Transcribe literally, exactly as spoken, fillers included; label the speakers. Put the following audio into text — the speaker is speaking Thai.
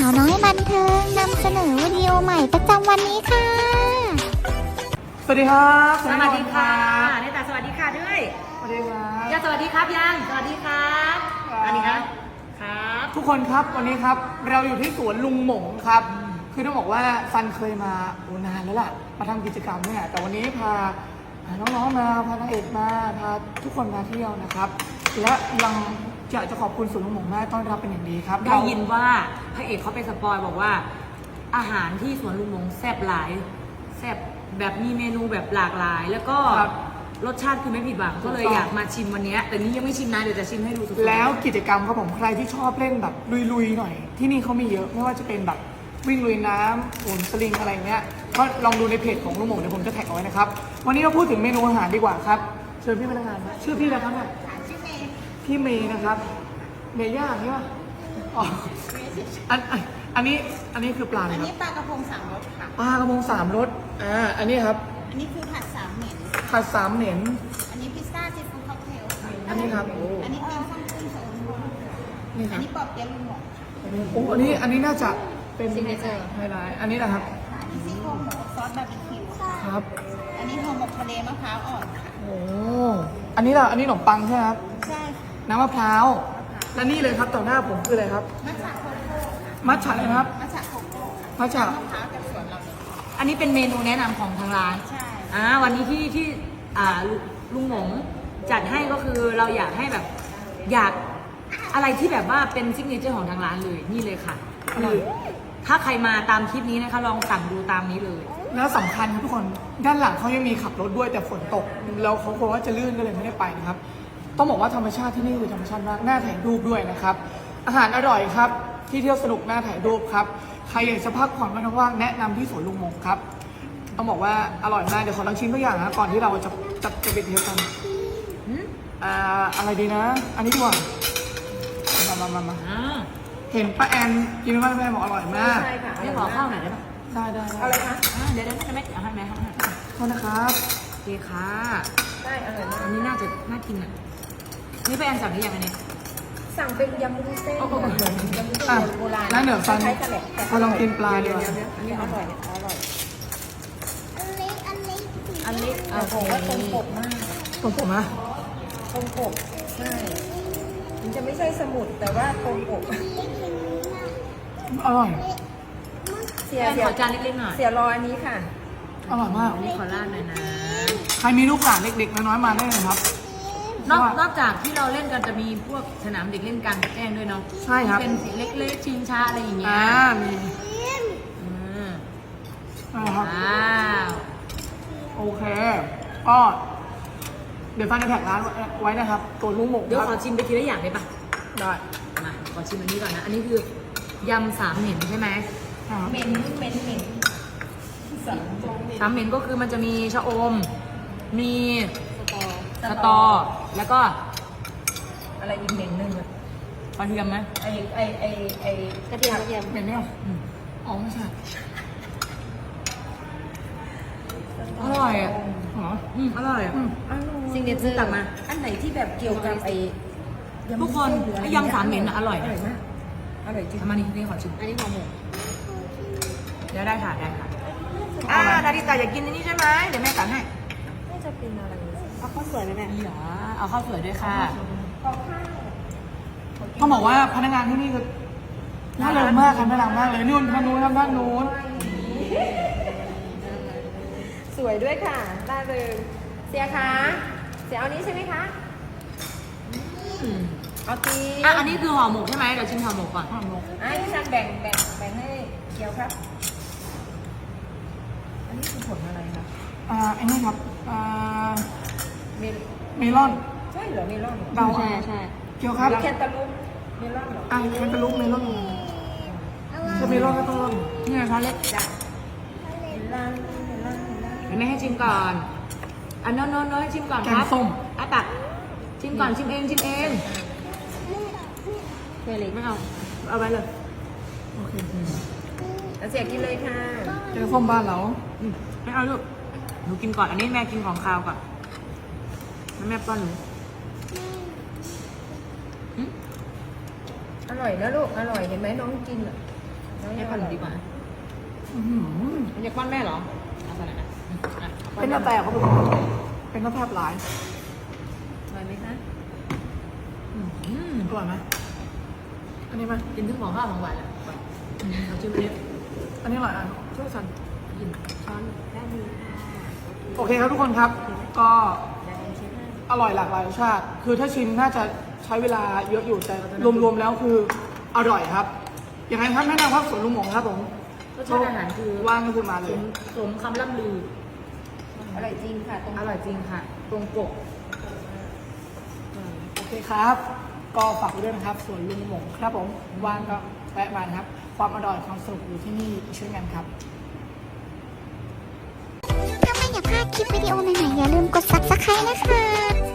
Speaker 1: าวน้อยบันเทิงนำเสนอวิดีโอใหม่ประจำวันนี้ค่ะ
Speaker 2: สวัสดีครับ
Speaker 3: สวัสดีค่ะเนตาสวัสดีค่ะด้วย
Speaker 2: สวัสดีครับ
Speaker 3: ยังสวัสดีครับยังสวัสดีครับอันนี้ครับครับ
Speaker 2: ทุกคนครับวันนี้ครับเราอยู่ที่สวนลุงหมงครับ คือต้องบอกว่าซันเคยมาโอ้นานแล้วล่ะมาทำกิจกรรมเนี่ยแต่วันนี้พาพาน้องๆมาพานางเอกมาพาทุกคนมาเที่ยวนะครับ และยังอยากจะขอบคุณสวนลุงหมงมากต้อนรับเป็นอย่างดีครับ
Speaker 3: ได้ยินว่าพระเอกเขาไปสปอยบอกว่า อาหารที่สวนลุงมงแซ่บหลายแซ่บแบบมีเมนูแบบหลากหลาย แล้วก็รสชาติคือไม่ผิดหวังก็เลยอยากมาชิมวันนี้แต่นี้ยังไม่ชิมนะเดี๋ยวจะชิมให้ดูสุดๆ
Speaker 2: แล้วกิจกรรมครับผมใครที่ชอบเล่นแบบลุยๆหน่อย ที่นี่เขามีเยอะไม่ว่าจะเป็นแบบวิ่งลุยน้ำโหนสลิงอะไรเงี้ยก็ลองดูในเพจของลุงหมงเดี๋ยวผมจะแท็กเอาไว้นะครับวันนี้เราพูดถึงเมนูอาหารดีกว่าครับเชิญพี่พนักงานมาชื่อพี่อะไรครับเนี่ยพี่เมย์นะครับเมย์ย่าใช่ปะอ๋ออันอันอันนี้อันนี้คือปลาอะไร
Speaker 4: อัน
Speaker 2: ครับ
Speaker 4: นี้ปลากระพงสามรสค่ะ
Speaker 2: ปลากระพงสามรสอ่าอันนี้ครับ
Speaker 4: อันนี้คือผัดสามเหม็น
Speaker 2: ผัดสามเหน็น
Speaker 4: อันนี้พิซซ่าซีฟู้ดค็อกเทลค่ะ
Speaker 2: อันนี้ครับโอ้
Speaker 4: อันนี้เป็นข้าวกุ้งโซน
Speaker 2: นี่ค
Speaker 4: อั
Speaker 2: รั
Speaker 4: น
Speaker 2: บ
Speaker 4: นี้ปอบเปี๊ยะลุงหมง
Speaker 2: โอ้อันนี้อันนี้น่าจะเป็นซิกเนเจอร์ไฮไลท์อันนี้นะครับ
Speaker 4: ค่ะอันนี้ซี่โครงหมูซอสบาร์บีคิวค่ะ
Speaker 2: ครับ
Speaker 4: อันนี้ห่อหมกทะเลมะพร้าวอ่อนค่ะ
Speaker 2: โอ้อันนี้ล่ะอันนี้ขนมปังใช่ไหมครับ
Speaker 4: ใช่ค่ะ
Speaker 2: น้ำมะพร้าวและนี่เลยครับต่อหน้าผมคืออะไรครับ
Speaker 4: มัทฉะโคโค่ค่ะ
Speaker 2: มัทฉะนะครับ
Speaker 4: มัทฉะโคโค่
Speaker 2: มัทฉะ
Speaker 4: มะพร้าวจากสวนเราเลย
Speaker 3: อันนี้เป็นเมนูแนะนำของทางร้าน
Speaker 4: ใช่
Speaker 3: อ่าวันนี้ที่ที่อ่าลุลุงหมงจัดให้ก็คือเราอยากให้แบบอยากอะไรที่แบบว่าเป็นซิกเนเจอร์ของทางร้านเลยนี่เลยค่ะคือถ้าใครมาตามคลิปนี้นะคะลองสั่งดูตามนี้เลย
Speaker 2: แล้วสำคัญครับทุกคนด้านหลังเขายังมีขับรถด้วยแต่ฝนตกแล้วเขากลัวว่าจะลื่นก็เลยไม่ได้ไปนะครับต้องบอกว่าธรรมชาติที่นี่คือธรรมชาติมากน่าถ่ายรูปด้วยนะครับอาหารอร่อยครับที่เที่ยวสนุกน่าถ่ายรูปครับใครอยากจะพักผ่อนวันว่างๆแนะนำที่สวนลุงมงครับต้องบอกว่าอร่อยมากเดี๋ยวขอลองชิมตัวอย่างนะก่อนที่เราจะจะจะไปเที่ยวกันอ่าอะไรดีนะ อันนี้ดีกว่ามามามามา
Speaker 3: อ่า
Speaker 2: เห็นป้าแอนกินมากป้าแอนบอกอร่อยมาก
Speaker 4: ใช่ค่ะ
Speaker 3: ไม่ขอข้าวหน่อยได้ปะ
Speaker 2: ได้ได้
Speaker 4: เอาเลยคะ
Speaker 3: อ่าเดี๋ยวเดี๋ยวจะไม่เอาให้ไหมเอาให้ไหม
Speaker 2: โทษนะครับ
Speaker 3: โอเคค่ะ
Speaker 4: ได้อร่อยมาก
Speaker 3: อันนี้น่าจะน่ากินอ่ะนี่ไปอันสั่งหรือยังอันนี้
Speaker 4: สั่งเป็นยำวุ้นเส้น
Speaker 3: โอ้โห
Speaker 4: ยำวุ้นเส้
Speaker 2: อ่ะ
Speaker 4: นโบราณ
Speaker 2: แล้วเดี๋ยวฟัน
Speaker 4: คล้ายๆกะแหล่แต่
Speaker 2: พอลองกินปลาดีกว่า
Speaker 4: อันนี้อร่อยเนี่ยอร่อย
Speaker 1: อันเล็กอันเล็ก
Speaker 4: อันนี้อ่ะผมว่าตรงปกมาก
Speaker 2: ผมผมนะ
Speaker 4: ตรงปกใช่ มันจะไม่ใช่สมุดแต่ว่าตรงปก
Speaker 2: อร่อย
Speaker 4: เสีย
Speaker 3: แอน
Speaker 4: เสีย
Speaker 3: ขอจานเล็กๆหน่อย
Speaker 4: เสียรออันนี้ค่ะ
Speaker 2: อร่อยมาก
Speaker 3: อันนี้ขอราดหน่อยนะ
Speaker 2: ใครมีลูกหลานเด็กๆน้อยๆมาได้เลยครับ
Speaker 3: นอกนอกจากที่เราเล่นกันจะมีพวกสนามเด็กเล่นกลางแจ้งด้วยเนาะ
Speaker 2: ใช่ครับ
Speaker 3: เป็นสีเล็กๆชิงช้าอะไรอย่างเงี้ย
Speaker 2: อ่ามี
Speaker 3: อืม
Speaker 2: นะครับ
Speaker 3: ว้าว
Speaker 2: โอเค ก็เดี๋ยวฟันจะแท็กร้านไว้นะครับ ตัวลูกหมก
Speaker 3: เดี๋ยว
Speaker 2: ค
Speaker 3: ขอ
Speaker 2: รับ
Speaker 3: ชิมไปทีละอย่างได้ปะ
Speaker 2: ได้
Speaker 3: มาขอชิมอันนี้ก่อนนะ อันนี้คือยำสามเหม็นใช่ไหม
Speaker 2: ครับ
Speaker 4: เหม็นเหม็นเหม็นสันตรงเหม็น
Speaker 3: สามเหม็นก็คือมันจะมีชะอม มี
Speaker 4: สตอ
Speaker 3: สตอ แล้วก็
Speaker 4: อะไรอีกเหม็นหนึ่งอะ
Speaker 3: กระเทียมไหม
Speaker 4: ไอไอไอไอกระเทียมกระเทียม
Speaker 2: เหม็นไหมอ่ะ
Speaker 3: อืม
Speaker 2: อ๋อไม่ใช่
Speaker 3: อร่อยอ่ะ
Speaker 2: อ๋อ
Speaker 3: อืมอร่อยอ่ะ
Speaker 2: อืม
Speaker 3: ซิงเกิลเจอร์ตักมา
Speaker 4: อันไหนที่แบบเกี่ยวกับไอ
Speaker 3: ทุกคนไอ้ยำสามเหม็นอะอร่อย
Speaker 4: อร่อยมากอร่อยจริง
Speaker 3: ทำมานี่นี่ขอชิม
Speaker 4: อันนี้ห่อหมก
Speaker 3: เดี๋ยวได้ค่ะได้ค่ะอ่านาริตาอยากกินอันนี้ใช่ไหมเดี๋ยวแม่ตักให้
Speaker 4: น่าจะเป็นอะไรเอาข้าวสวยไหมแม่
Speaker 3: นี่เหรอเอาข้าวสวยด้วยค่ะ
Speaker 2: ต้องบอกว่าพนักงานที่นี่คือน่าเริงมากครับน่ารักมากเลยนู่นทางนู้นครับด้านนู้น
Speaker 4: สวยด้วยค่ะได้เลยเสียคะเสียเอานี้ใช่ไหมคะ
Speaker 3: อืม
Speaker 4: เอาตี
Speaker 3: อ่ะอันนี้คือห่อหมกใช่ไหมเดี๋ยวชิมห่อหมกก่อน
Speaker 2: ห่อหมก
Speaker 4: อ่ะพี่ชันแบ่งแบ่งแบ่งให้เกียวครับ อันนี้คือผลอะไรคะ
Speaker 2: อ่าอันนี้ครับอ่า
Speaker 4: เมล
Speaker 2: เมลอน
Speaker 4: ใช่เหรอเมลอนเหรอ
Speaker 2: เดาอ่ะเกี่ยวครับ
Speaker 4: หรือแคนตาลูปเมลอนเหรอ
Speaker 2: อ่าแคนตาลูปเมลอนถ้าเมลอนก็ต้องร่อน
Speaker 3: นี่ไงช้อนเล็ก
Speaker 4: จ้ะเมลอนเมลอนเมลอน
Speaker 3: เดี๋ยวแม่ให้ชิมก่อนอันโน้นโน้นโน้นให้ชิมก่อน
Speaker 2: แก
Speaker 3: ค
Speaker 2: ง
Speaker 3: รับ
Speaker 2: ส้ม
Speaker 3: อ่ะตักชิมก่อนชิมเองชิมเองเฟรนไม่เอาเอาไว้เลย
Speaker 2: โอเค
Speaker 4: แล้วเสียกินเลยค่ะ
Speaker 2: แกงส้มบ้านเรา
Speaker 3: อืมไม่เอาลูกหนูกินก่อนอันนี้แม่กินของคาวก่อนแล้วแม่ป้อนหนูอืม
Speaker 4: อร่อยนะลูกอร่อยเห็นไหมน้องกินอ่ะ
Speaker 3: ให้พ่อหนูดีกว่า
Speaker 2: อื้อหือ
Speaker 3: มันจะป้อนแม่เหรอเอาไปไหนนะอ่ะอา
Speaker 2: เป็น
Speaker 3: แม่
Speaker 2: กาแฟเขาเป็นเป็นกาแฟหลาย
Speaker 4: อร่อยไหมคะ
Speaker 3: อืม
Speaker 2: อร่อยไหมอันนี้ไหม
Speaker 3: กินทั้งของข้าวของหวานแหละก่อนอืมเอาชิมเลย
Speaker 2: อันนี้อร่อยอ่ะช่วยสัน
Speaker 3: กินช้อน
Speaker 4: ด้านนี้ค่ะ
Speaker 2: โอเคครับทุกคนครับ ก็
Speaker 4: ด้านนี้ชิมให้
Speaker 2: อร่อยหลากหลายรสชาติ คือถ้าชิมน่าจะใช้เวลาเยอะอยู่แต่รวมๆแล้วคืออร่อยครับอย่างไรครับแนะนำครับสวนลุงหมงครับผม
Speaker 3: รสชาติอาหารคือ
Speaker 2: ว่างก็คือมาเล
Speaker 3: ส
Speaker 2: ย
Speaker 3: มสมคำล่ำลือ
Speaker 4: อร่อยจริงค่ะตรง
Speaker 3: อร่อยจริงค่ะ ตรงปก
Speaker 2: โอเคครับ ก็ฝากไว้ด้วยนะครับสวนลุงหมงครับผมว่างก็แวะมานะครับ ความอร่อยความสนุกอยู่ที่นี่ช่วยกันครับ
Speaker 1: ถ้าไม่อยากพลาดคลิปวิดีโอใหม่ๆอย่าลืมกด ซับสไครบ์ นะคะ